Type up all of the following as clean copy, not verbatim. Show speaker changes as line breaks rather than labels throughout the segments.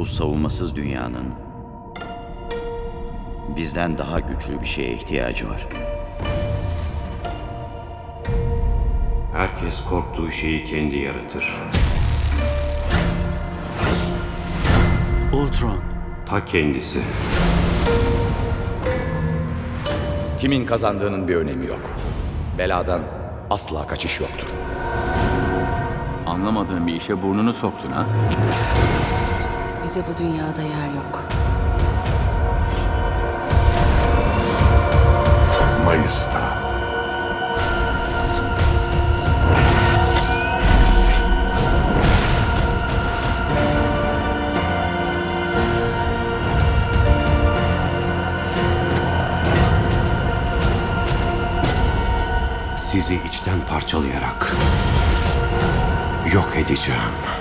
Bu savunmasız dünyanın bizden daha güçlü bir şeye ihtiyacı var.
Herkes korktuğu şeyi kendi yaratır.
Ultron.
Ta kendisi.
Kimin kazandığının bir önemi yok. Beladan asla kaçış yoktur.
Anlamadığın bir işe burnunu soktun ha?
Bize bu dünyada yer yok.
Mayıs'ta.
Sizi içten parçalayarak yok edeceğim.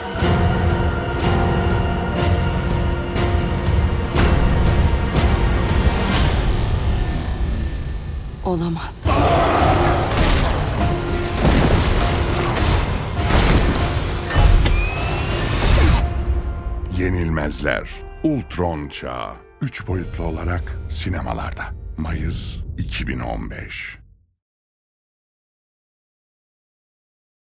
Olamaz.
Yenilmezler. Ultron Çağı. 3 boyutlu olarak sinemalarda. Mayıs 2015.